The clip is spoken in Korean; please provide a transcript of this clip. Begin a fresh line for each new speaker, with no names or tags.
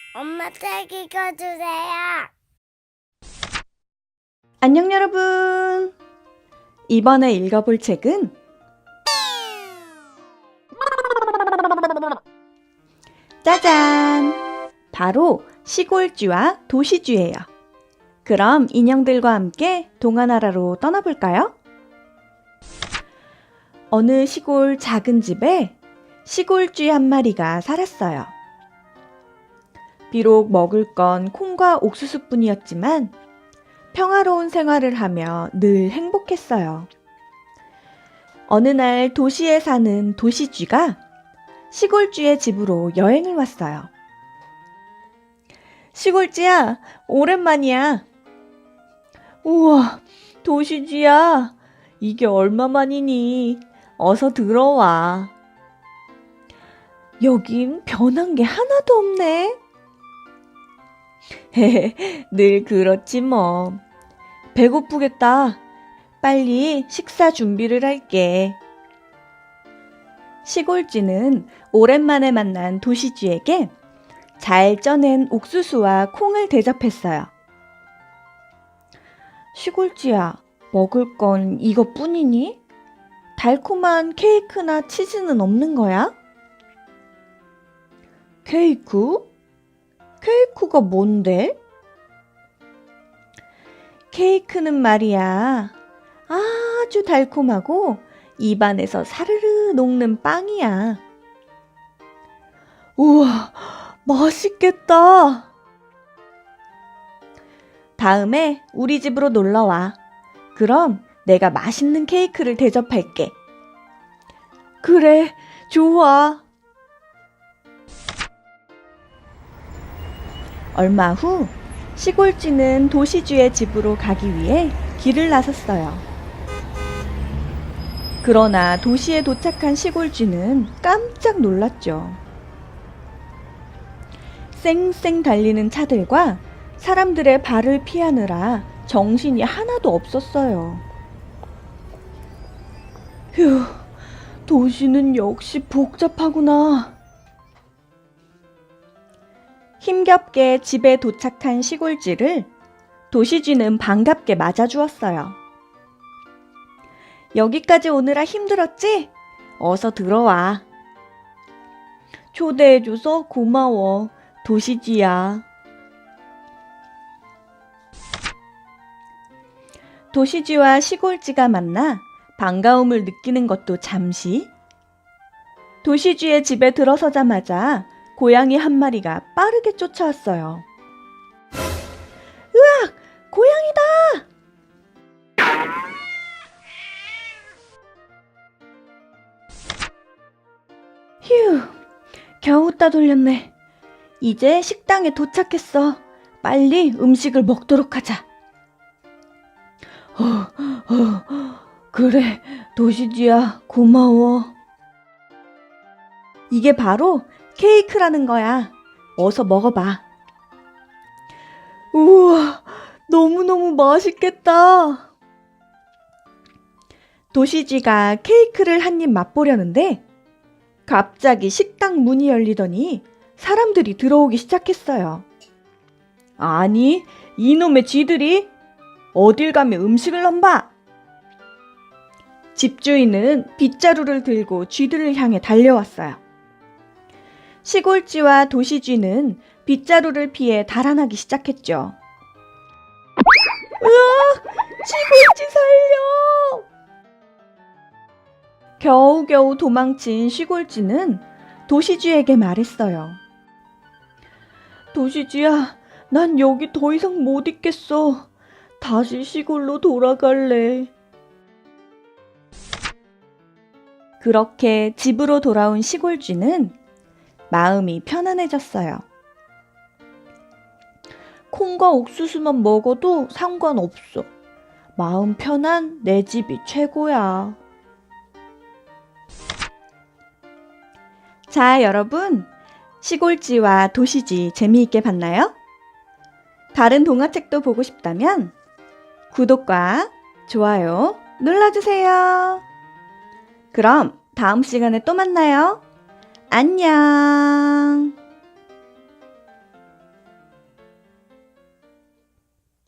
엄마 책 읽어주세요.
안녕 여러분! 이번에 읽어볼 책은 짜잔! 바로 시골쥐와 도시쥐예요. 그럼 인형들과 함께 동화나라로 떠나볼까요? 어느 시골 작은 집에 시골쥐 한 마리가 살았어요. 비록 먹을 건 콩과 옥수수뿐이었지만 평화로운 생활을 하며 늘 행복했어요. 어느 날 도시에 사는 도시쥐가 시골쥐의 집으로 여행을 왔어요. 시골쥐야, 오랜만이야. 우와, 도시쥐야, 이게 얼마만이니? 어서 들어와. 여긴 변한 게 하나도 없네. 늘 그렇지 뭐. 배고프겠다. 빨리 식사 준비를 할게. 시골쥐는 오랜만에 만난 도시쥐에게 잘 쪄낸 옥수수와 콩을 대접했어요. 시골쥐야, 먹을 건 이것뿐이니? 달콤한 케이크나 치즈는 없는 거야? 케이크? 케이크가 뭔데? 케이크는 말이야, 아주 달콤하고 입안에서 사르르 녹는 빵이야. 우와, 맛있겠다. 다음에 우리 집으로 놀러 와. 그럼 내가 맛있는 케이크를 대접할게. 그래, 좋아. 얼마 후 시골쥐는 도시쥐의 집으로 가기 위해 길을 나섰어요. 그러나 도시에 도착한 시골쥐는 깜짝 놀랐죠. 쌩쌩 달리는 차들과 사람들의 발을 피하느라 정신이 하나도 없었어요. 휴, 도시는 역시 복잡하구나. 힘겹게 집에 도착한 시골쥐를 도시쥐는 반갑게 맞아주었어요. 여기까지 오느라 힘들었지? 어서 들어와. 초대해줘서 고마워, 도시쥐야. 도시쥐와 시골쥐가 만나 반가움을 느끼는 것도 잠시. 도시쥐의 집에 들어서자마자 고양이 한 마리가 빠르게 쫓아왔어요. 으악! 고양이다! 휴, 겨우 따돌렸네. 이제 식당에 도착했어. 빨리 음식을 먹도록 하자. 그래, 도시쥐야, 고마워. 이게 바로 케이크라는 거야. 어서 먹어봐. 우와, 너무너무 맛있겠다. 도시쥐가 케이크를 한 입 맛보려는데 갑자기 식당 문이 열리더니 사람들이 들어오기 시작했어요. 아니, 이놈의 쥐들이 어딜 가면 음식을 넘봐. 집주인은 빗자루를 들고 쥐들을 향해 달려왔어요. 시골쥐와 도시쥐는 빗자루를 피해 달아나기 시작했죠. 으아! 시골쥐 살려! 겨우겨우 도망친 시골쥐는 도시쥐에게 말했어요. 도시쥐야, 난 여기 더 이상 못 있겠어. 다시 시골로 돌아갈래. 그렇게 집으로 돌아온 시골쥐는 마음이 편안해졌어요. 콩과 옥수수만 먹어도 상관없어. 마음 편한 내 집이 최고야. 자, 여러분, 시골쥐와 도시쥐 재미있게 봤나요? 다른 동화책도 보고 싶다면 구독과 좋아요 눌러주세요. 그럼 다음 시간에 또 만나요. 안녕.